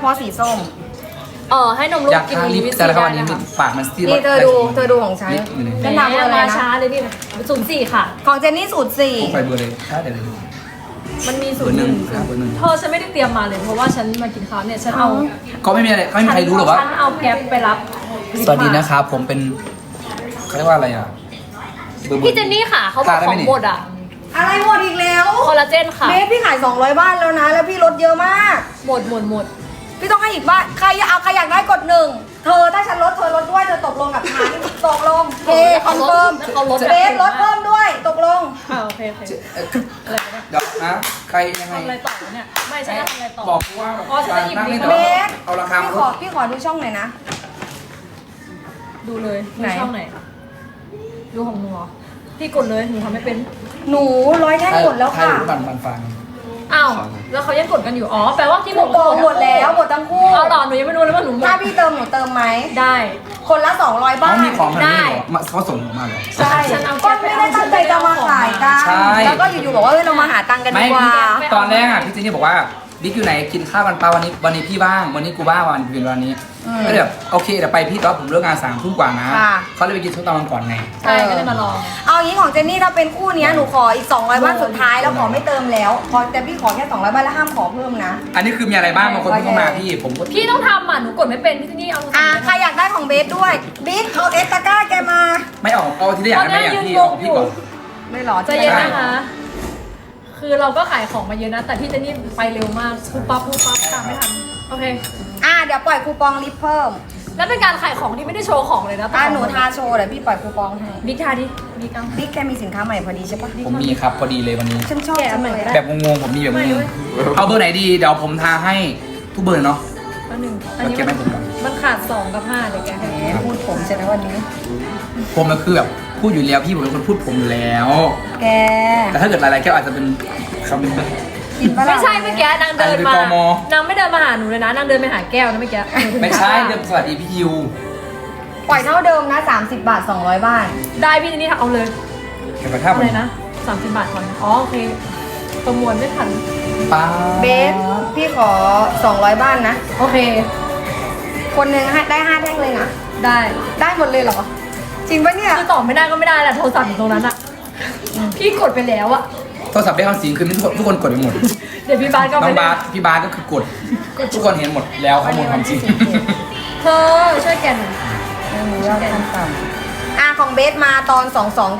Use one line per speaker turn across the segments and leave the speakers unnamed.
าะสีส้ม
ให้นมลู
อก ยาก
กิน
ทาลิป
วิต
แต่
ซี
ละค
ได้
วันนี้
นะคะ
ปากมันซีด
นี่เธอดูของฉัน
แห
ฉันทำอะไร
มา
นะ
ช้าเลยพี่04ค่ะ
ของเจนนี่สูตรสี่
ผมไปเบอร์เลยถ้าเดี๋ยวเลย
มันมี
เบอร์หนึ่งครับเบอร์หนึ่ง
เธอฉันไม่ได้เตรียมมาเลยเพราะว่าฉันมากินข้าวเนี่ยฉันเอา
ก็ไม่มีอะไรก็ไม่มีใครรู้หรอกว่า
ฉันเอาแก๊ปไปรับ
สวัสดีนะครับผมเป็นเขาเรียกว่าอะไรอ่ะเบอร์
พี่เจนนี่ค่ะเขาบอก
ทานได้
ข
ไหม
อง
นี่
หมดอ่ะ
อะไรหมดอีกแล้ว
คอลลาเจนค่ะ
เบสพี่ขาย200บ้านแล้วนะ แล้วพี่ลดเยอะมาก
หมด
พี่ต้องให้อีกบ้านใครอยากได้กดหนึ่งเธอถ้าฉันลดเธอลดด้วยเธอตกลงกับฉันตกลงเคคอนเฟิร์ม
เขาลด
เบสลดเพิ่มด้วยตกลง
โอเคอะไรวะเนี่ย
เดี๋ยวนะใครยังไง
ทำอะไรต่อเนี่ยไม่ใช่ทำอะไรต่อ
บอกว่า
อ๋อฉันจะหยิบ
นั่ง
ลิ
นี่
งก์
เดี๋ยว
เบส
เอาราคามา
พี่ขอดูช่องหน่อยนะ
ดูเลย
ไหน
ช่องไหนดูของหนูเหรอพี่กดเลยหนูทำไม่เป็น
หนู100แท่งหมดแล้วค่ะ
ใครรู้บันฟัง
อ้าวแล้วเขายังกดกันอยู่อ๋อแปลว่าที่
หมดหมดแล้วหมดทั้งคู่
เอาหรอหนูยังไม่รู้เลยว่าหนูหมด
ถ้าพี่เติมหนูเติมไหม
ได้
คนละ200บ้า
เขา
น
มีของแบบ
ได้
นี้เหรอมาเขาส่งมาเหรอ
ใช่
ฉันเอา
ก็ไม่ได้ตั้งใจจะมาขายกัน
ใช่
แล้วก็อยู่ๆบอกว่าเฮ้ยเรามาหาตังค์กันดีกว่า
ตอนแรกอ่ะพี่เจนนี่บอกว่าบิ๊กอยู่ไหนกินข้าวกันเปล่าวันนี้พี่บ้างวันนี้กูบ้างวันนี้ก็แบบโอเคเดี๋ยวไปพี่แต่ว่าผมเลิกงาน3 ทุ่มกว่านะเขาเลยไปกินช่วงตอนกลางก่อนไง
ใช่ก็เลยมาลอง
เอางี้ของเจนนี่ถ้าเป็นคู่เนี้ยหนูขออีก200บ้านสุดท้ายแล้วขอไม่เติมแล้วขอแต่พี่ขอแค่200บ้านแล้วห้ามขอเพิ่มนะ
อันนี้คือมีอะไรบ้างบางคนเพิ่งเข้ามาพี่ผมก็
พี่ต้องทำอ่ะหนูกดไม่เป็นพี่ที่นี่เอา
ใครอยากได้ของเบสด้วยบิ๊กเอาเอสตาก้าแกมา
ไม่ออกเอาทีละอย่างได้ไหมอย่างพี่เอาของพี่ก่อน
ไม่หรอ
ใจเย็นนะคะ คือเราก็ขายของมาเยอะนะ แต่พี่เจนนี่ไปเร็วมากปุ๊บปั๊บตามไม่ทันโอเค
เดี๋ยวปล่อยคูปองลิฟต์เพิ่ม
แล้วเป็นการขายของที่ไม่ได้โชว์ของเลยนะแต่
หนูทาโชว์เดี๋ยวพี่ปล่อยคูปองให้
บิ๊กทาดิบิ๊กเอา
บิ๊กแกมีสินค้าใหม่พอดีใช่ปะ
ผมมีครับพอดีเลยวันนี้
ฉันชอบจังเลย
แบบงงๆผมมีแบบงงๆเอาเบอร์ไหนดีเดี๋ยวผมทาให้ทุกเบอร์เนาะ
อันหนึ่งอันนี้
เก็บไว้ผมก่อน
มันขาด2 กับ 5เดี๋ยวแกให้
แหมพูดผมใช่ไหมวันนี้
ผมก็คือแบบพูดอยู่แล้วพี่ผมเป็นคนพูดผมอยู่แล้ว
แก
แต่ถ้าเกิดหลายๆแก้วอาจจะเป็นคำหนึง
กินปะล่ะ
ไม่ใช่เมื่อกี้นางเดินมา
อันนี้เป็นกม
นางไม่เดินมาหาหนูเลยนะนางเดินไปหาแก้วนะเมื่อกี้
ไม่ใช่เรื่องสวัสดีพี่ยิว
ปล่อยเท่าเดิมนะ30 บาท200บ้าน
ได้พี่เจนนี่เอาเลย
เก็บกระทะ
เอาเลยนะ30 บาทก่อนอ๋อโอเคประมวลไม่ทัน
ป้า
เบสพี่ขอ200บ้านนะ
โอเค
คนหนึ่งให้ได้5แท่งเลยนะ
ได้
ได้หมดเลยเหรอ จริงปะเนี่ย
คือตอบไม่ได้ก็ไม่ได้แหละโทรศัพท์อยู่ตรงนั้นอะพี่กดไปแล้วอะ
โทรศัพท์ได้คำสิงคือทุกคนกดไปหมด
เดี๋ยวพี่บาสก็
น้
ไป
องบาสพี่บาสก็คือกดทุกคนเห็นหมดแล้วข้อมูลความจริง
เธอช่วยแกหน่อย
ไม่มียอดขั้นต่ำของเบสมาตอน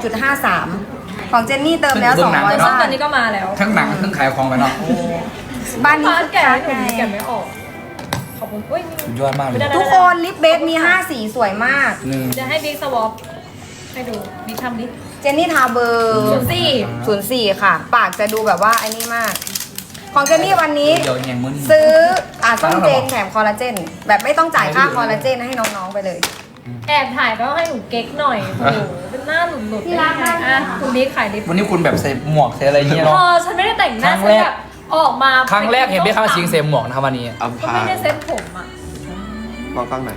22.53 ของเจนนี่เติมแล้ว
เพิ่งหนัง
200
ซึ่ง
บ้า
ตอน นนี้ก็มาแล้ว
ทั้งหนังทั้งขายของไปเนาะ
บ้านนี้
บาส
คึก
แกะ
คั
ให้
ก
หนู
ไง
แกะไม่ออกขอบคุณอุ้ยนี่
สุดยอดมากเลย
ไม่ได้
ทุกคนลิปเบสมี5สีสวยมาก
หนึ่ง
จะให้บิ๊กสวอปให้ดูบิ๊กทำดิ
เจนนี่ทาเบอร์ 04 ค่ะ ปากจะดูแบบว่าไอ้นี่มาก ของเจนนี่วันนี้
เดี๋ยวแยงมือนี่
ซื้อส้มเจนแถมคอลลาเจน แบบไม่ต้องจ่ายค่าคอลลาเจนให้น้องๆไปเลย
แอบถ่ายก็ให้หนูเก๊กหน่อยโอ้โหเป็นหน้าหลุดๆ
ที่รักมาก
อ่ะคุณบิ๊กขายลิป
วันนี้คุณแบบใส่หมวกใส่อะไรเงี้ย
พ
เนาะ
อฉันไม่ได้แต่งหน้า
ครั้
ฉั
ง
น
แรก
แบบออกมา
ครั้งแรกเห็นพี่ข้าวสิงใส่หมวกนะครับวันนี้
อัม
ก็
พา
ไม่ได้เซ็ตผมอ่ะ
ลองข้างไหน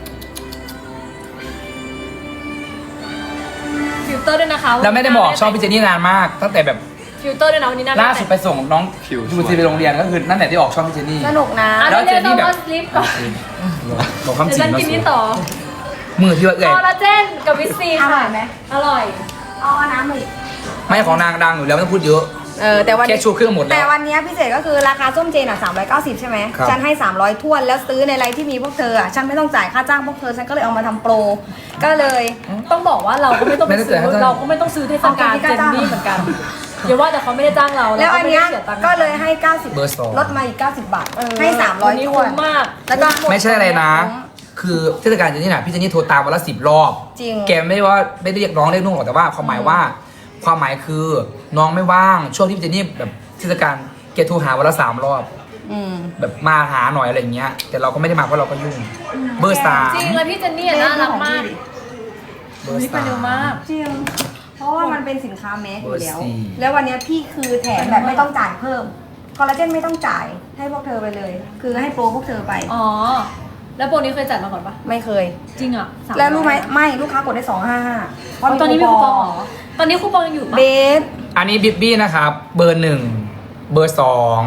ฟิลเตอร์ด้วยนะคะ
แล้วไม่ได้บอกชอบพี่เจนนี่นานมาก ตั้งแต่แบบ
ฟิลเตอร์ด้วยนะวันนี้น่า
ล่าสุดไปส่งน้องดูซีไปโรงเรียนก็คือนั่นแหละที่ออกช่องพี่เจนนี่
สนุกนะ
อ่ะ
แล้
เดี๋ยว ว
เจนนี่
เดี๋ยว
แบบ
เราลิฟต์ก่อน
บอกความจ
เดี๋ยว
ริง
ฉัน
เนาะ
กินนี่ต่อ
มือที่ว่าเอ่
ค
ย
อลลาเจนกับวิตซี
อ
ค่ะ
ร่อยไหม
อร่อย
เอาน้ำมาอีก
ไม่ของนางดังอยู่แล้วไม่ต้องพูดเยอะ
แต่วัน
แค่ชูเครื่องหมดแล้ว
แต่วันนี้พิเศษก็คือราคาส้มเจน390 ใช่ไหม
ครับ
ฉันให้ 300ท้วนแล้วซื้อในไลน์ที่มีพวกเธอฉันไม่ต้องจ่ายค่าจ้างพวกเธอฉันก็เลยเอามาทำโปร ก็เลย
ต้องบอกว่าเราก็ไม่ต้องไปซื้อ
ไม่ได้จ่ายค่าจ้าง
เราก็ไม่ต้องซื้อเทศกาล
เอา
เจ
ค่าน จ้าง
นี่เหมือนกันอย่าว่าแต่เขาไม่ได้จ้างเรา
แล้ว
เรา
อัน
ไม่
เนี้ย
ได้เสียตังค์
ก็เลยให้
เบอร์สอง
90ลดมาอีก 90 บาท ให้
วันนี้
300ท้ว
คุ้
น
มมาก
แล้วก็
ไม่ใช่อะไรนะ คือเทศกาลเจนนี่น่ะพี่เจนนี่โทรตามวันละ10 รอบ
จริง
แกไม่ได้ว่าไม่ได้เรียกร้องเรียกนุ่งหรอกแต่ว่าความหมายว่า ความหมายคือน้องไม่ว่างช่วงที่พี่เจนนี่แบบเทศกาลแกโทรหาวันละ3 รอบ
อืม
แบบมาหาหน่อยอะไรอย่างเงี้ย แต่เราก็ไม่ได้มาเพราะเราก็ยุ่ง เบอร์สาม
จริงแล้วพี่เจนนี่อะน่ารักมาก
เบอร์
นี่ไป
สาม
เร็วมาก
จริง เพราะว่ามันเป็นสินค้าแมสอยู่แล้ว
เบอร์สี่
แล้ววันเนี้ยพี่คือแถมแบบไม่ต้องจ่ายเพิ่ม คอลลาเจนไม่ต้องจ่ายให้พวกเธอไปเลย คือให้โปรพวกเธอไป
อ๋อแล้วโปรนี้เคยจัดมาก่อนปะ
ไม่เคย
จริงอ่ะ300
แล้วรู้ไหมไม่ลูกค้ากดได้255เพราะ
ตอนนี้มีคูปองเหรอตอนนี้คูปองยังอยู่ปะ
เบส
อันนี้บิบบี้นะครับ เบอร์ 1 เบอร์ 2 เ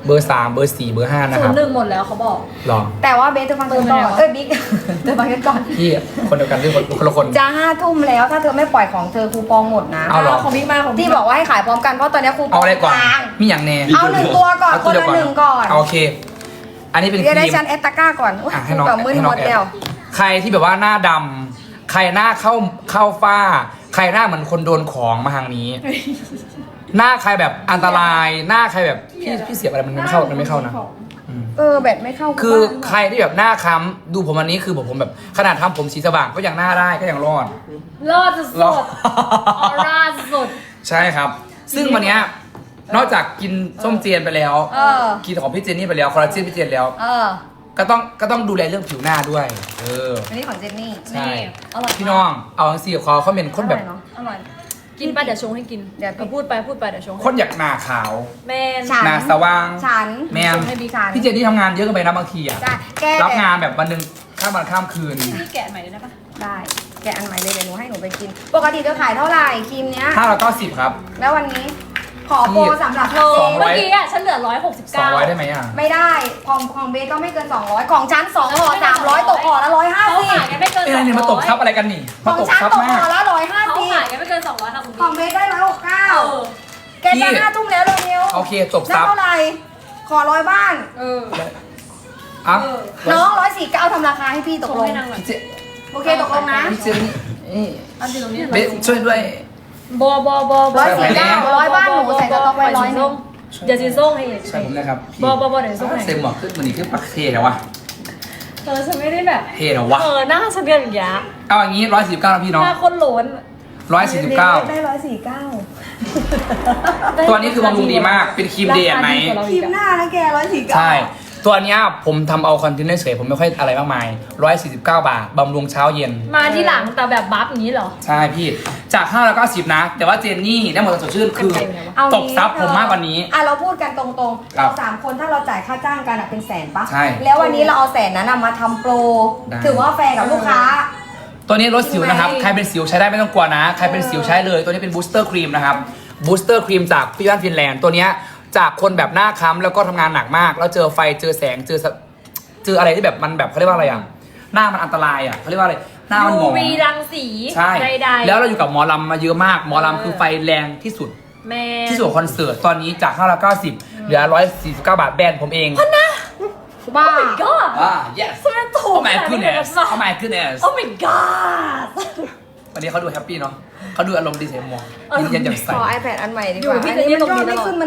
เบอร์ 3 เบอร์ 4 เบอร์ 5 นะค
ศู
รั
น
บ
ย์หนึ่งหมดแล้วเขาบอก
ลอง
แต่ว่าเบสเธอฟังกันก่อนบิ๊กเธอฟังกันก่อน
พี่คนเดียวกันที่คนละคน
จะ5 ทุ่มแล้วถ้าเธอไม่ปล่อยของเธอคูปองหมดนะ
เอาเหรอ
ของบิ๊กมาของบิ๊
ที่
ก
บอกว่าให้ขายพร้อมกันเพราะตอนนี้คูป
เอา
อง
อะไรก่อน
กลาง
มีอย่างแน่
เอา1 ตัวก่อน
เอา
คน
เดียว
ละ1ก่อน
โอเค อันนี้เป็นค
เดี๋ยวได้
รีม
ชั้นแอตตาก้าก่อนอุ๊ย
ให้น้อง
แบบมืด
ให้
ห
น้
ม
อง
ด
แอ
แล้ว
บใครที่แบบว่าหน้าดำใครหน้าเข้าฝ้า ใครหน้าเหมือนคนโดนของมาทางนี้ หน้าใครแบบอันตราย หน้าใครแบบพี่เสียบอะไรมันไม่เข้านะ
แบบไม่เข้า
คือ
บ้าน
ใครที่แบบหน้าค้ำดูผมอันนี้คือผมแบบขนาดทำผมสีสว่างก็ยังหน้าได้ก็ยังรอด
รอดสุด
รอด
ๆออร่าสุด
ใช่ครับ ซึ่งวันเนี้ยนอกจากกินส้มเจียนไปแล้ว กินของพี่เจนนี่ไปแล้วคอลลาเจนพี่เจนแล้ว ก็ต้องดูแลเรื่องผิวหน้าด้วย
อันนี้ของเจนนี่
ใช่
นี่อร่อย
พี่น้องเอาจังซี่ขอเขาเป็นคนแบบ
เนาะอร่อย
กินไปเดี๋ยวชงให้กิน
เดี๋ยว
พูดไปเดี๋ยวชงให้
คนอยากหน้าขาว
แมน
ฉัน
หน้าสว่าง
ฉัน
แมน
ให้บิ๊กฉัน
พี่เจนนี่ทำงานเยอะเกินไปนะบางทีอะ
จ้ะแก
รับงานแบบวันหนึ่งข้ามวันข้ามคืน
พี่แกะใหม่ได้ปะ
ได้แกะอันใหม่เลยเดี๋ยวหนูให้หนูไปกิน ปกติเธอขายเท่าไหร่ครีมเนี้ย
590ครับ
แล้ววันนี้ ขอโปรสำหรับ
เธอ
เจ
เมื่อกี้อ่ะฉันเหลือ169
200ได้ไหมอ่ะ
ไม่ได้ของเบสก็ไม่เกิน 200 ของฉัน2ห่อ300ตกห่อละ
เขาขายกันไม่เกิน
เอ้ยเนี่ยมาตบทับอะไรกันนี่
150ข
มา
อง
ตบ
ฉัน
ทับ
ตก
มา
ห่อก ละ
เขาขาย
150
กันไม่เกิน200ค่ะคุณ
ของเบสได้169แกจะ5 ทุ่มแล้วเร็วๆ
โอเคตบ
นั่
ทั
น
บ
เท่าไหร่ขอ100บ้าน
อ่ะ
น้อง149ทำราคาให้พี่ต
ต
ก
ก
ล
ล
ง
งนางหน่อย
พี่เจ
โอเคตกลงนะ
พี่เจนนี่เอ้ย
อันที่ตรงนี้
เบสช่วยด้วย
บอ
149 100บ้านหนูใส่สต็อกไว้100นึง
เดี๋ยวซีส่งให้อีก
ใช่ผมนะครับ
บอเดี๋ยวส่งให้
เซมหมอกขึ้นมันนี่ขึ้นปักเทเหรอวะ
ฉันไม่ได้แบบ
เทเหรอวะ
หน้าฉันเป็นอย่างเงี้ย
เอาอย่างนี้149นะพี่น้อง
หน้าคนโหลน
149
ได้149
ตัวนี้คือบำรุงดีมากเป็นครีมเดย์ไหม
ครีมหน้านะแก149
ใช่ ตัวเนี้ยผมทำเอาคอนเทนเนอร์เฉยผมไม่ค่อยอะไรมากมาย149 บาทบำรุงเช้าเย็น
มาที่หลังแต่แบบบัฟอย่างนี้เหรอ
ใช่พี่จาก590นะ แต่ว่าเจนนี่ได้หมดสดชื่นคือ
เอา
ตบซับผมมากกว่านี้
เราพูดกันตรงๆ
ครั
เรา
บ
3 คนถ้าเราจ่ายค่าจ้างกันเป็นแสนปะ
ใช่
แล้ววันนี้เราเอาแสนนั้นมาทำโปร
ได้
ถือว่าแฟร์กับลูกค้า
ตัวนี้ลดสิวนะครับ
ใช่ไหม
ใครเป็นสิวใช้ได้ไม่ต้องกลัวนะ ใครเป็นสิวใช้เลย ตัวนี้เป็นบูสเตอร์ครีมนะครับ บูสเตอร์ครีมจากพี่บ้านฟินแลนด์ ตัวเนี้ยจากคนแบบหน้าค้ำแล้วก็ทำงานหนักมาก แล้วเจอไฟ เจอแสง เจออะไรที่แบบมันแบบเขาเรียกว่าอะไรอ่ะ หน้ามันอันตรายอ่ะเขาเรียกว่าอะไร หน้ามันหมอง
UV รังสี
ใช่
ใดๆ
แล้วเราอยู่กับหมอลำมาเยอะมาก หมอลำคือไฟแรงที่สุด
แม่
ที่สุดของคอนเสิร์ต ตอนนี้จาก590เหลือ149 บาทแบรนด์ผมเอง
บ้า
ก็
yes
สมัยถู
oh
ก
my goodness oh my goodness
Oh my god
วันนี้เขาดูแฮปปี้เนาะเขาดูอารมณ์ดีเสียมองยิ้มแย้มแจ่มใส
ขอ iPad อันใหม่ดีกว่า
อยู่พี่
อันนี้มัน
จะ
ย
เรี
อย ด
ก
ไม่ขึ้นมัน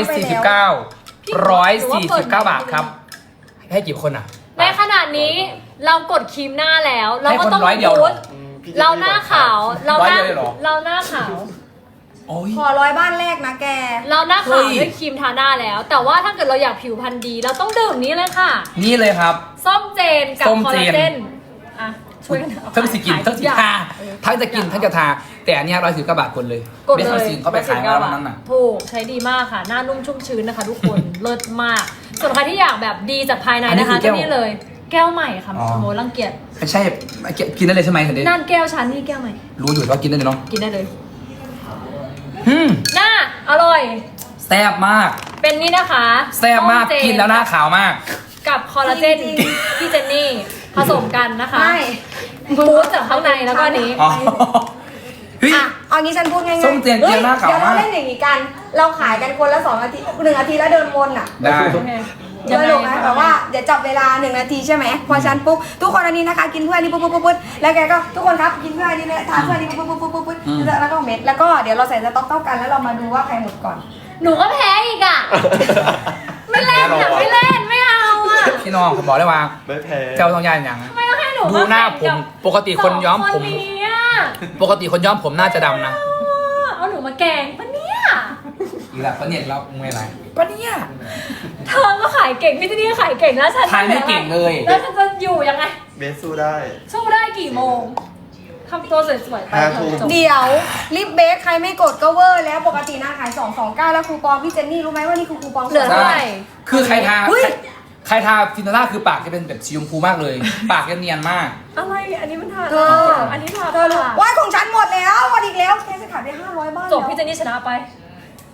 149บาทครับ ให้กี่คนอ่ะ
ในขณะนี้เรากดครีมหน้าแล้ว เราก็ต้อง
ให้คน100เดียวเหรอ
บูสต์เราหน้าขาวเราหน้า
100เดียวเลยเหรอ
เราหน้าขาว
โอ้ย
ขอ100บ้านแรกนะแก
เราหน้า
เฮ้
ขาวย ด้วยครีมทาหน้าแล้ว แต่ว่าถ้าเกิดเราอยากผิวพรรณดี เราต้องดื่มนี้เลยค่ะ
นี่เลยครับ
ส้มเจนกับ
ส้ม
คอล
เจ
ลาน เจนอ่ะช่วยกันเอา
ทั้งสิกินทั้งสิทาทั้งจะกินทั้งจะทา แต่อันเนี้ย119 บาทคนเลย
กด
เบส
เล
คอน
ย
ซิงเขาไปขายมาแล้ววันนั้นน่ะ
ถูกใช้ดีมากค่ะ หน้านุ่มชุ่มชื้นนะคะทุกคน เลิศมาก ส่วนใครที่อยากแบบดีจากภายใน
อันนี้
นะคะ
คือแก้
ก็
ว
นี่เลย แก้วใหม่ค่ะ
อ๋อ
โมรังเกียจ
ไม่ใช่กินได้เลยใช่ไหมถึงได้
นั่นแก้วชั้นนี่แก้วใหม่
รู้อยู่ว่ากินได้เลยเนาะ
กินได้เลย
อืม
หน้าอร่อย
แซ่บมาก
เป็นนี่นะคะ
แซ่บมาก
ส้เจ
กินแล้วหน้าขาวมาก
กับคอลลาเจน
จริง
พี่เจนนี่ผสมกันนะคะ
ไม่
บูสต์จากข้างในแล้วก็อันนี้
อ๋อเฮ้ย
อ่ะเอางี้ฉันพูดง่ายๆ
ส้มเจนเจียวหน้าขาว
เดี๋ยวเรา
มาก
เล่นอย่างนี้กัน เราขายกันคนละ2 นาที1 นาทีแล้วเดินวนอ่ะ
ได้
สนุกนะแบบว่าเดี๋ยวจับเวลา1 นาทีใช่ไหมพอฉันปุ๊บทุกคนอันนี้นะคะกินเพื่อนนี่ปุ๊บปุ๊บปุ๊บปุ๊บแล้วแกก็ทุกคนครับกินเพื่อนนี่ทานเพื่อนนี่ปุ๊บปุ๊บปุ๊บปุ๊บปุ๊บแล้วก็เม็ดแล้วก็เดี๋ยวเราใส่สต๊อกเท่ากันแล้วเรามาดูว่าใครหมดก่อน
หนูก็แพ้อีกอ่ะ ไม่เล่นอ่ะไม่เล่นไม่เอาอ่ะ
พี่น้องผมบอกเลยว่า
ไม่แพ้
เจ้าต้องย่านอย่าง
ไม่ต้องให้หนู
ดูหน้าผมปกติคนย้อมผม
สงคนนี้อะ
ปกติคนย้อมผมน่าจะดำนะ
เอาหนูมาแกล้งปะเนี่ย
อีกแล้วปะเนี่ยเราไม่อะไรปะเนี่ย
เธอก็ขายเก่งพี่ที่นี่ก็ขายเก่งแล้วฉัน
ขายไม่เก่งเลย
แล้วฉันจะอยู่ยังไง
เบสสู้ได้
สู้ได้กี่โมงทำตัวสวยๆไป
5 ทุ่ม
จบ
เดี๋ยวลิปเบสใครไม่กดก็เวอร์แล้วปกตินะขาย229แล้วคูปองพี่เจนนี่รู้ไหมว่านี่คือคูปอง
เหลือเท่าไหร่
คือใครทา
เฮ้ย
ใครทาฟินนาร่าคือปากจะเป็นแบบสีชมพูมากเลย ปากจะเนียนมาก
อะไรอันนี้มันทา
เธอ
อันนี้ทา
เธอรู้ว้ายของฉันหมดแล้วหมดอีกแล้วแกจะขายไป500บ้าน
จบพี่เจนนี่ชนะไป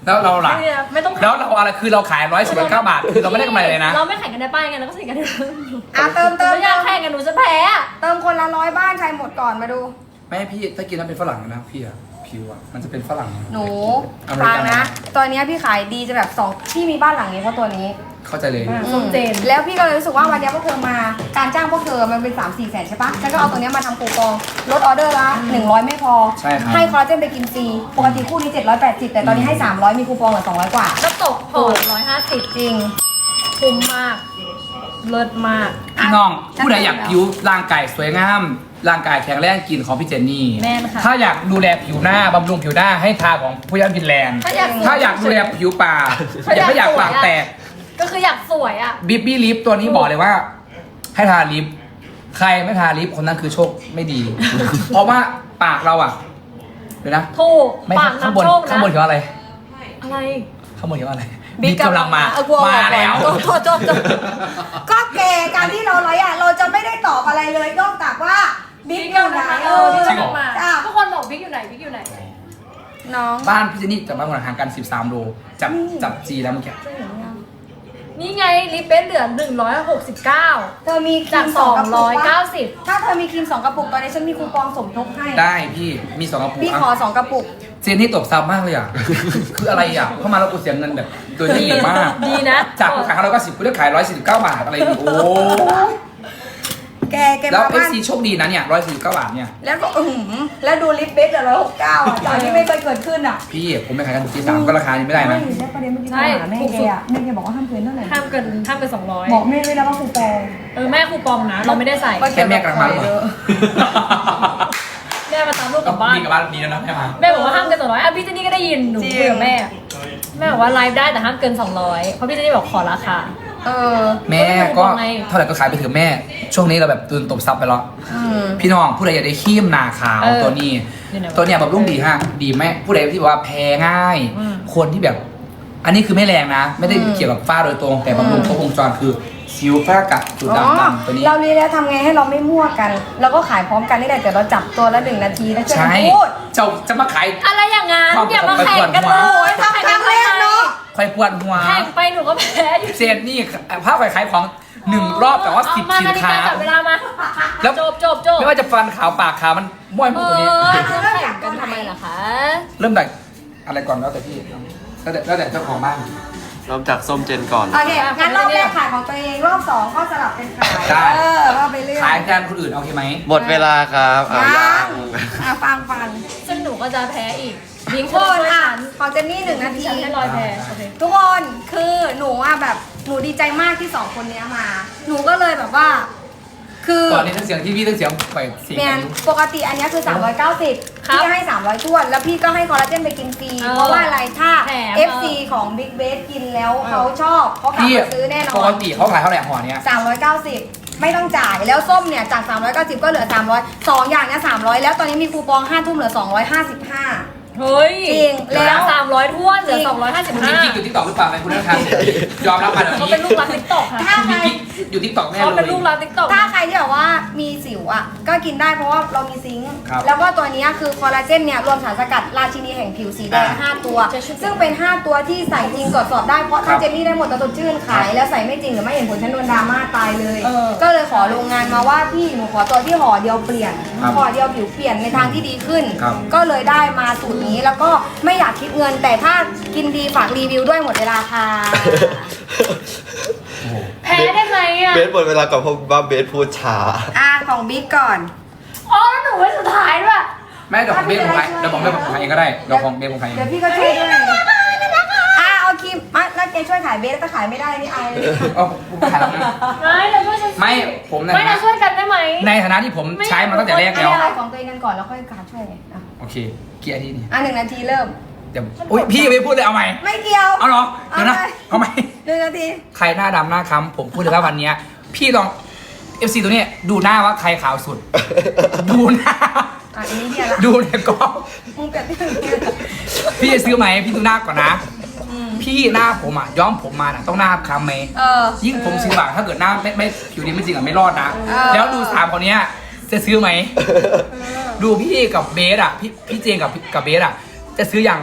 แล้วเราล่ะ
ไม่ต้อง
แล้วเราอะไรคือเราขาย119 บาทคือเราไม่ได้กำไรเลยนะ
เราไม่แข่งกันในป้ายไงเราก็แข่งกันใน
เติม
ไม่อยากแข่งกันหนูจะแพ้อะ
เติมคนละ100บ้านใครหมดก่อนมาดู
ไม่พี่ถ้ากินแล้วเป็นฝรั่งนะพี่อะผิวอะมันจะเป็นฝรั่ง
หนู
อเมริ
ฟัง
กัน
นะตอนนี้พี่ขายดีจะแบบพี่มีบ้านหลังนี้เพราะตัวนี้
เข้าใจเลย
ส้มเจน
แล้วพี่ก็เลยรู้สึกว่าวันนี้พวกเธอมาการจ้างพวกเธอมันเป็น 3-4 แสนใช่ปะฉันก็เอาตัวเนี้ยมาทำคูปองลดออเดอร์ละ100ไม่พอ
ใช่ครับ
ให้คอลลาเจนไปกินฟรีปกติคู่นี้780แต่ตอนนี้ให้300มีคูปองเหลือ200กว่า
ก็ตกห่อ150
จริง
คุ้มมาก เลิศมาก
พี่น้องผู้ใดอยากผิวร่างกายสวยงามร่างกายแข็งแรงกินของพี่เจนนี่
แม่นค่ะ
ถ้าอยากดูแลผิวหน้าบำรุงผิวหน้าให้ทาของผู้ย่านฟินแลนด์
ถ้าอยาก
ถ้าอยากดูแลผิวปาก
ถ้าอยาก
ไม่อยาก
สวย
ปาก
อะ
แตก
ก็คืออยากสวยอ่ะ
บิบบี้ลิฟตัวนี้บอกเลยว่า ให้ทาลิปใครไม่ทาลิปคนนั้นคือโชคไม่ดี เพราะว่าปากเราอ่ะเดี๋ยวนะ
ถูก
ไม่
ปาก
ข้างบน
น้ำโชคนะ
ข้างบนเขียนว่าอะไร
อะไร
ข้างบนเขียนว่าอะไร
บิ๊ก
กำลังมา
เอากลัว
มาแล้ว
โทษก็แกการที่เราไลฟ์อ่ะเราจะไม่ได้ตอบอะไรเลยนอกจากว่าบิ๊กอยู่ไหน
บิ๊ก
จริงเหรอ
มา
จ้ะ
ทุกคนบอกบิ๊กอยู่ไหนบิ๊กอยู่ไหน
น้อง
บ้านพี่เจนนี่จากบ้านคนห่างกัน13 โลจับจีแล้วเมื่อกี้
นี่ไงลิปเบนเหลือ169
เธอมีครี
จาก
ม2กระปุกปะ
290
ถ้าเธอมีครีม2กระปุกตอนนี้ฉันมีคูปองสมทบให้
ได้พี่มี2กระปุก
พี่ขอ2กระปุก
เจนนี่ตบซับมากเลยอ่ะ คืออะไรอ่ะเข้ามาแล้วกูเสียเงินแบบโดยที่เหนียวมาก
ดีนะ
จากกูขาย190กูได้ขาย149 บาทอะไรนี่โอ้
แก
แล้ว
มาบ้าน
FC โชคดีนะเนี่ย149 บาทเนี่ย
แล้วก็แล้วดูลิปเบสเดี๋ยว169อ่ะจากที่ไม่เคยเกิดขึ้นอ่ะ
พี่ผมไม่ขายกันที่3ก็ราคานี้ไม่ได้นะ
ได้ประเด็นเมื่อกี้
ใช่
ถามแม่แกอ่ะแม่แกบอกว่าห้ามเกินเท่าไหร่
ห้ามเกิน
บอกแม่ด้วยนะว่าคูปอง
200แม่คูปองนะ เราไม่ได้ใส่
แค่แม่กำลังมาหรือเปล่า
แม่มาตามลูกก
ก็
ลับบ้าน
ดีกับบ้านดีแล้วนะแม่มา
แม่บอกว่าห้ามเกิน200อ่ะพี่เจนนี่ก็ได้ยินหนูคุยกับแม่แม่บอกว่าไลฟ์ได้แต่ห้ามเกิน200เพราะพี่เจนนี่บอกขอราคา
แม่ก็
ก็ไม่รู้ไง
เท่าไหร่ก็ขายไปเถอะแม่ ช่วงนี้เราแบบตื่นตบซับไปแล้ว พี่น้องผู้ใดอยากได้ครีมหนาขาวตัวนี้
อยู่ไหนวะ
ตัวเนี้ยแบบรุ่งดีฮะดีแม่ผู้ใดที่บอกว่าแพ้ง่าย
อืม
คนที่แบบ อันนี้คือไม่แรงนะ ไม่ได้เกี่ยวกับฝ้าโดยตรง แต่บำรุงครบวงจรคือสิวฝ้ากระจุด
อ๋อ
ดำตัวนี้
เราเรียนแล้วทำไงให้เราไม่มั่วกัน เราก็ขายพร้อมกันนี่แหละแต่เราจับตัวละ1 นาทีแล้วช่วย
ใช่
กันพูด
จะมาขาย
อะไรอย่างงั้น
ความ
อย่ามาแข่งกัน
ไป
เล
ปวดหัว
ย
ทำครั้งแรกเนอะ
ใครปวดหัว
แข่งไปหนูก็แพ้อยู่
เซนนี่ภาพขายของ1 รอบแต่ว่า10
เอมา
สินค้า
จับเวลามา
แล้ว
จบ
ไม่ว่าจะฟันขาวปากขาวมันม้วยหมดตัวนี้
จะแข่งกันทำไมล่ะคะ
เริ่มจากอะไรก่อนแล้วแต่พี่แล้วแต่เจ้าของบ้าน
เริ่มจากส้มเจนก่อน
โอเคงั้นรอบแรกขายของตัวเองรอบ2ก็สลับเป็นขาย
ได้
ว่าไปเรื่อย
ขายแทนคนอื่นโอเคไหม
หมดเวลาครับเอา
ยั
ยัง
ฟัง
ซึ่งหนูก็จะแพ้อีกบิง
ทุ
โค
กคน
น
อ่ะ
ฉัน
ของเจนนี่1 นาที
ฉันให้รอยแพ้โอเค
ทุกคนคือหนูอ่ะแบบหนูดีใจมากที่2 คนเนี้ยมา หนูก็เลยแบบว่า คือ
ก่อนนี้ทั้งเสียงที่พี่ทั้งเสียงไปเสียง
แม
กัน
น
อยู่
ปกติอันเนี้ยคือ390
ครับ
พี่ให้300ถ้วนแล้วพี่ก็ให้คอลลาเจนไปกินฟรี
เออ
เพราะว่าอะไรถ้า
แถม
FC ของ Big b a s กินแล้วเขาชอบเขากลับ
พี่
มาซื้อแน่น
ป
อก น
ติเขาขายเท่าไหร่ห่อเนี้ย
390 ไม่ต้องจ่ายแล้วส้มเนี่ยจาก 390 ก็เหลือ 300 2 อย่างเนี่ย300 แล้วตอนนี้มีคูปอง5 ทุ่มเหลือ 255
เฮ้ย
จริงแล้ว
300ท้วนเหลือ
คุณมีกิ๊กอยู่ทิกตอกหรือเปล่าไหมคุณนะครับยอมรับมาเดี๋ยว
255เขา
นี้
เป็นลูกรักติ๊กต็อกค่ะ
ถ้า
คุณ
ใค
มี
ร
กิ๊กอยู่ทิกตอกแน่
เขา
เล
เป็น
ย
ลูกรักติ๊กต็อก
ถ้าใครที่แบบว่ามีสิวอ่ะก็กินได้เพราะว่าเรามีซิงค์
ครับ
แล้วก็ตัวเนี้ยคือคอลลาเจนเนี่ยรวมสารสกัดราชินีแห่งผิวสีแดง 5 ตัว ซึ่งเป็น 5 ตัวที่ใส่จริงตรวจสอบได้เพราะถ้าเจนนี่ได้หมดตะสดชื่นขายแล้วใส่ไม่จริงหรือไม่เห็นผลฉันโดนดราม่าตายเลย ก็เลยขอโรงงานมาว่าพี่หนูขอตัวที่ห่อเดียวเปลี่ยน
ครับ
ห่อเดียวผิวเปลี่ยนในทางที่ดีขึ้น
ครับ
ก็เลยได้มาสูตรนี้แล้วก็ไม่อยากคิดเงิน แต่ถ้ากินดีฝากรีวิวด้วยหมดเวลาค่ะ
แพ้ได้ไงอ่ะ
เบสหมดเวลาก่อนเพราะว่าเบสพูดช้า
ของบิ๊กก่อน
อ๋อแล้วหนูไว้สุดท้ายด้วย
แม่เดี๋ยวของเบสผมขายเดี๋ยวของเบสผมขายเองก็ได้เดี๋ยวของเบสผมขายเอง
เดี๋ยวพี่ก็ช่วยด้วยเอาครีมแล้วแกช่วยขายเบสแล้วก็ขายไม่ได้นี่อายเลย
เอาผมขายแล้วนะ
ไม่เราช่วยฉัน
ไม่ผมนะ
ไม่เราช่วยกันได้ไหม
ในฐานะที่ผมใช้มาตั้งแต่แรกแล้ว
ขายของตัวเองกันก่อนแล้วค่อยการช่วยไงอ่ะ
โอเคเกียร์ที่นี่
1 นาทีเริ่ม
เดี๋ยวอุ้ยพี่ยังไม่พูดเลยเอาใหม่
ไม่เกี่ยว
เอาเหรอเดี๋ยวนะ
เอาไป
เอาใหม่
1 นาที
ใครหน้าดำหน้าค้ำผมพูดเลยว่าวันเนี้ยพี่ลอง FC ตัวเนี้ยดูหน้าว่าใครขาวสุด ดูหน้า
อันนี้เดียวละ
ดูในกล้อง
มึงเปลี่ยนที่
พี่จะซื้อไหมพี่ดูหน้าก่อนนะ พี่หน้าผมอ่ะย้อมผมมาน่ะต้องหน้าค้ำไหม ยิ่งผมซื้อบางถ้าเกิดหน้าไม่ผิวดีไม่จริงอ่ะไม่รอดนะ แล้วดู3คนเนี้ยจะซื้อไหม ดูพี่กับเบสอ่ะพี่เจงกับเบสอ่ะจะซื้อยัง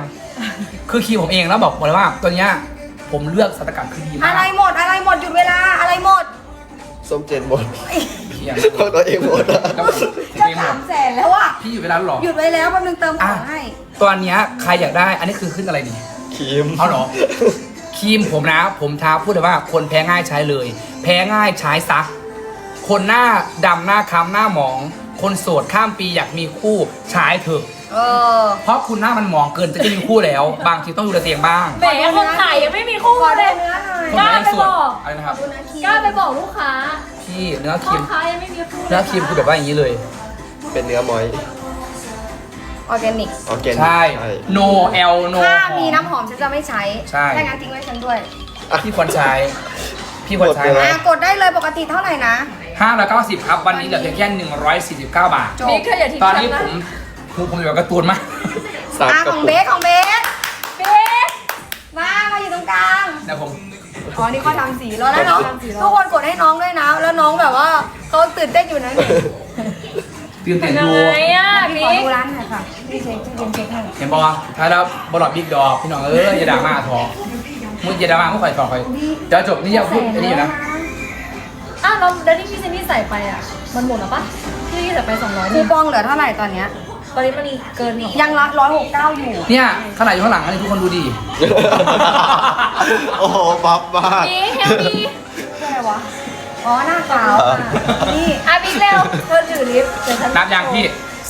คือครีมผมเองแล้วบอกเลยว่าตัวเนี้ยผมเลือกสารสกัดคือดีมา
อะไร
ก
หมดอะไรหมดหยุดเวลาอะไรหมด
ส้มเจนหมด
เพียง
ของตัวเองหมดอะ
แล้ว
จะ
เองหมด
300,000แล้วอ่ะ
พี่อยู่เวลาหรอ
หยุดไว้แล้วแป๊บนึงเติมของให้
ตัวเนี้ยใครอยากได้อันนี้คือขึ้นอะไรนี่
ครีม
เอาเหรอ ครีมผมนะ ผมท้าพูดเลยว่าคนแพ้ง่ายใช้เลย แพ้ง่ายใช้ซะคนหน้าดำหน้าค้ำหน้าหมอง คนโสดข้ามปีอยากมีคู่ใช้เถอะ
เออ
เพราะคุณหน้ามันหมองเกินจะมีคู่แล้ว บางทีต้องดูแลตัวเองบ้าง
แหมคนขายยังไม่มีคู่
ขอ
เล
ดู
ย
เนื้อหน่อย
คน
กล้า
ไม่
ไป
ส
บ
ด
อก
อะไรนะครับ
ดูเนื้อครีม
กล้าไปบอกลูกค้า
พี่เนื้อค
พ่อ
รีม
ค้ายังไม่มีคู่
เนื้อครีมคือแบบว่าอย่างนี้เลย
เป็นเนื้อมอย
ออร์แกนิก
ออร์แกนิก
ใช่ no l no
ถ้า
หอ
มีน้ำหอมฉันจะไม่ใช้
ใช่
ถ้างั้นทิ้งไว้ฉันด้วย
พี่ควรใช้ พี่ควรใช้
กดเลย
อ่ะกดได้เลยปกติเท่าไหร่นะ
590ครับวันนี้เหลือเพียงแค่149 บาท
จบ
บิ๊กเธออย่าทิ้ง
ตอน
ฉั
นี้
นนะ
ผมอยู่กับการ์ตูนมาก
สาม
อ่ะ
กระ
ของ
ปุ
เบ
ก
สของเบส
บิ๊ก
มาอยู่ตรงกลาง
เดี๋ยวผม
อ๋อนี่เขาทำสีแล้วน้องทุกคนกดให้น้องด้วยนะ แล้วน้องแบบว่าเขาตื่นเต้นอยู่นะนี่
ตื่นเต้น
ยั
ดู
งไงอ่ะ
พี่ขอ
บิ๊ก
ดูร้านหน่อยค่ะพี่เช็คเช็คให้
เห็นปะวะถ้าแล้วบอลลอดบิ๊กดอกพี่น้องอย่าด่ามาทอมึงอย่าด่ามามึงคอยต่อคอยเดี๋ยวจบนี่อย่าพูดอันนี้อยู่นะ
อ้าวแล้วที่พี่เซนนี่ใส่ไปอ่ะ มันหมดแล้วปะที่ใส่ไป200
คู
นี่
ปองเหลือเท่าไหร่ตอนเนี้ย
ตอนนี้มันเกินหรอ
ยังละ169อยู่
เนี่ยขนาดอยู่ข้างหลังอันนี้ทุกคนดูดี
โอ้โหปั๊บมาก
บิ๊กเฮลดี
คืออะไรวะ อ๋อหน้าขาวอ่ะนี่
อ่ะบิ๊กเร็วเธอถือลิฟต์เดี๋ยวฉัน
นับยังพี่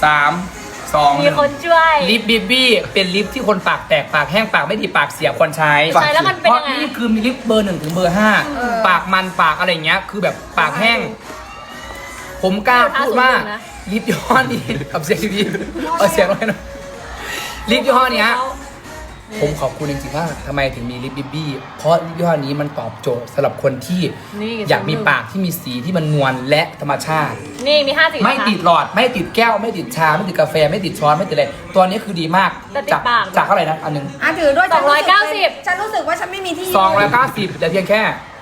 3 2
มีคนช่วย
ลิปบิบบี้เป็นลิปที่คนปากแตกปากแห้งปากไม่ดีปากเสียควรใช้
ใช่แล้วมันเป็น
เพราะ
ยังไง
นี่คือมีลิปเบอร์1ถึงเบอร์ 5ปากมันปากอะไรอย่างเงี้ยคือแบบปากแห้ง ผมกล้าพูดว่าลิปยี่ห้อนี้กับเสียงดีๆเอาเสียงลงให้หน่อยลิปยี่ห้อเนี้ย ผมขอบคุณจริงๆว่าทำไมถึงมีลิปบิบบี้เพราะลิปยี่ห้อนี้มันตอบโจทย์สำหรับคนที่
นี่
อยากมีปากที่มีสีที่มันนวลและธรรมชาติ
นี่มี5 สี
ไม่ติดหลอดไม่ติดแก้วไม่ติดชาไม่ติดกาแฟไม่ติดช้อนไม่ติดอะไรตัวนี้คือดีมาก
แต่ติด
จาก
ปาก
จากเท่าไหร่นะอันหนึง
อ่ะถือด้วย
290
ฉันรู้สึกว่าฉันไม่มีที่
290แต่เพียงแค่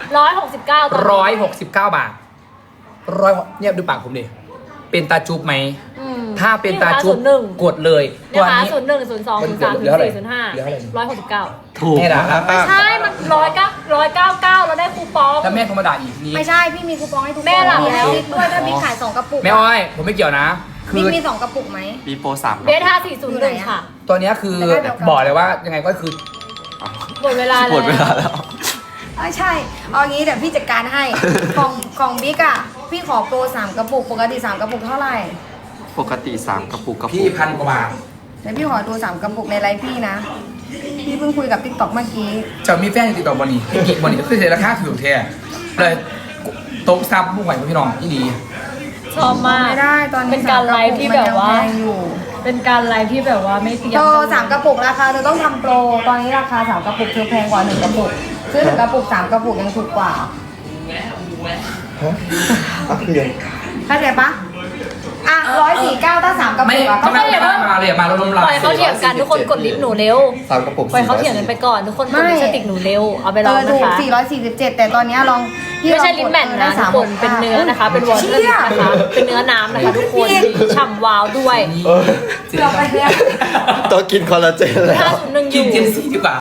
169ตอนนี้
169 บาทเนี่ยดูปากผมดิเป็นตาจุ๊บไหม
อืม
ถ้าเป็นตาจุ๊บ
นี่นะคะ
กดเลย
01
ตัว
นะคะ
นี้
01 02 03
เหลือเท่าไหร่
04
เหลือเท่าไหร่
05 169
ถูก
แม่ด่าแล้ว
ใช่ มัน199เราได้คูปอง
แล้วแม่โทรมาด่าอีกนี้
ไม่ใช่พี่มีคูปองให้ทุกคน
แม่หลับแล้ว
มีบิ๊กด้วยถ้าบิ๊กขาย2กระปุก
แม่อ้อยผมไม่เกี่ยวนะ คื
บิ๊ก
อ
มี2กระปุกไหม
มีโปร3
เบส5401ค่ะ
ตัวเนี้ยคือ
แต่ได้เดียวกัน
บอกเลยว่ายังไงก็คือ
หมดเวลา
หมดเวลา
แล้ว
แล้ว
ใช่ เอางี้เดี๋ยวพี่จัดการให้ ของบิ๊กอ่ะ พี่ขอโปร3กระปุก ปกติ3กระปุกเท่าไหร่
ปกติ3กระปุก
พี่1,000 กว่าบาท
เดี๋ยวพี่ขอดู3กระปุกในไลฟ์พี่นะ พี่เพิ่งคุยกับติ๊กต็อกเมื่อกี้
จะมีแฟนติดต่อบอนี่อีกบอนี่ก็คือเสียราคาถูกแท้เลยโต๊ะซับผู้ไหวพี่น้องที่ดี
ชอบมาก
ไม่ได้ตอนนี้
เป็นการไลฟ์ที่แบบว่า
มันยังพงอยู่
เป็นการไลฟ์ที่แบบว่าไม่เตรียม
โปร
กันเลย
3กระปุกราคาเธอต้องทำโปร ตอนนี้ราคา3กระปุกเธอแพงกว่า1กระปุกซื้อ1กระปุก3กระปุกยังถูกกว่า เข้าใจปะอ่ะ149ถ้า3กระ
ไม่
ปุกอะก็
ไม่มาเลยมาลม
ปล่อยเขาเถียงกันทุกคนกดลิฟต์หนูเร็ว
3กระปุก
ปล่อยเขาเถียงกันไปก่อนทุกคนกดลิปสติกหนูเร็ว เอาไปลอง
ถู
นะ
ก
คะ
447 แต่ตอนนี้ลองพี่
ไม่ใช่
ลองกด
ลิ้นแมทนะ
ได้
ทุกคนเป็นเนื้อนะคะ เป็นวอเตอร์ลิปนะคะ เป็นเนื้อน้ำนะคะทุกคนฉ่ำวาวด้วย
นี่
เกือบไปแล้ว
ต้องกินคอลลาเจนแล้ว
501อ
กิน
ยู่
เจนซี่ดีกว่า